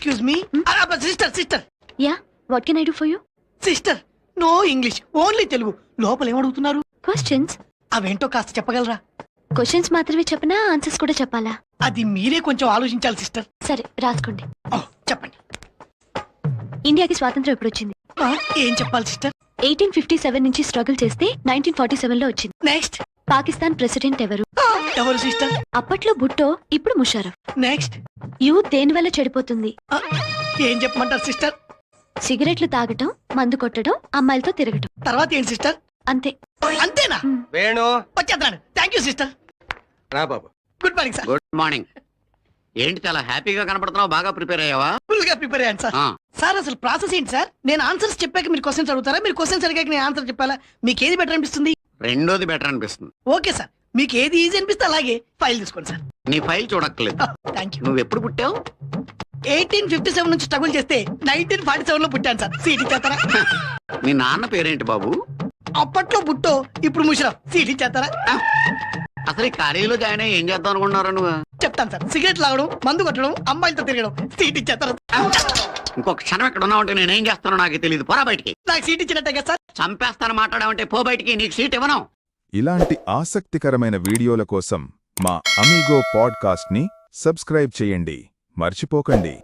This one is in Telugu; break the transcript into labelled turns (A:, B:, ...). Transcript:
A: Excuse me sister sister
B: yeah what can I do for you?
A: Sister no English only Telugu. లోపల ఏమడుగుతున్నారు?
B: క్వశ్చన్స్.
A: అవేంటో కాస్త చెప్పగలరా?
B: క్వశ్చన్స్ మాత్రమే చెప్పనా ఆన్సర్స్ కూడా చెప్పాలా?
A: అది మీరే కొంచెం ఆలోచించాలి సిస్టర్.
B: సరే రాసుకోండి.
A: చెప్పండి.
B: ఇండియాకి స్వాతంత్రం ఎప్పుడు వచ్చింది?
A: ఏం చెప్పాలి సిస్టర్?
B: 1857 నుంచి స్ట్రగుల్ చేస్తే 1947 లో వచ్చింది.
A: నెక్స్ట్.
B: పాకిస్తాన్ ప్రెసిడెంట్ ఎవరు?
A: ఎవరు సిస్టర్?
B: అప్పట్లో భుట్టో, ఇప్పుడు ముషారఫ్.
A: నెక్స్ట్.
B: యూత్ దేని వల్ల చెడిపోతుంది?
A: ఏం చెప్పమంటారు సిస్టర్?
B: సిగరెట్లు తాగటం, మందు కొట్టడం, అమ్మాయిలతో తిరగటం.
A: తర్వాత ఏంటి సిస్టర్?
B: అంతే.
A: అంతేనా?
C: వేణు
A: వచ్చేద్దాను. Thank you sister.
C: రా బాబు.
A: Good morning sir.
D: Good morning. ఏంటి చాలా హ్యాపీగా కనపడుతున్నావు? బాగా ప్రిపేర్ అయ్యావా?
A: ఫుల్ గా ప్రిపేర్ అయ్యాను సార్. సార్ అసలు ప్రాసెస్ ఏంటి సార్? నేను ఆన్సర్స్ చెప్పాక మీరు క్వశ్చన్స్ అడుగుతారా? మీరు క్వశ్చన్స్ అడిగాక నేను ఆన్సర్ చెప్పాలా? మీకు ఏది బెటర్ అనిపిస్తుంది?
D: రెండోది బెటర్ అనిపిస్తుంది.
A: ఓకే సార్, మీకు ఏది ఈజీ అనిపిస్తే అలాగే ఫైల్ తీసుకోండి సార్.
D: నీ ఫైల్ చూడక్కర్లేదు.
A: Thank you.
D: నువ్వు ఎప్పుడు పుట్టావు?
A: 1857 నుంచి స్ట్రగుల్ చేస్తే 1947 లో పుట్టాను సార్. సీట్ ఇచ్చేస్తారా?
D: మీ నాన్న పేరేంటి బాబు?
A: అప్పట్లో బుట్టో, ఇప్పుడు ముషరఫ్. సీట్ ఇచ్చేస్తారా?
D: అసలు ఈ కాలేజీలో జాయిన్ అయ్యి ఏం చేద్దాం అనుకున్నారా నువ్వు?
A: చెప్తాను సార్. సిగరెట్ లాగడం, మందు కొట్టడం, అమ్మాయిలతో తిరగడం. సీట్ ఇచ్చేస్తారా?
D: ఇంకొక క్షణం ఎక్కడ ఉన్నావంటే నేనేం చేస్తానో నాకు తెలియదు. పోరా బయటికి.
A: నాకు సీట్ ఇచ్చినట్టే కదా సార్.
D: చంపేస్తాను మాట్లాడావంటే పో బయటికి. నీకు సీట్ ఇవ్వను.
E: ఇలాంటి ఆసక్తికరమైన వీడియోల కోసం మా అమీగో పాడ్కాస్ట్ని సబ్స్క్రైబ్ చేయండి. మర్చిపోకండి.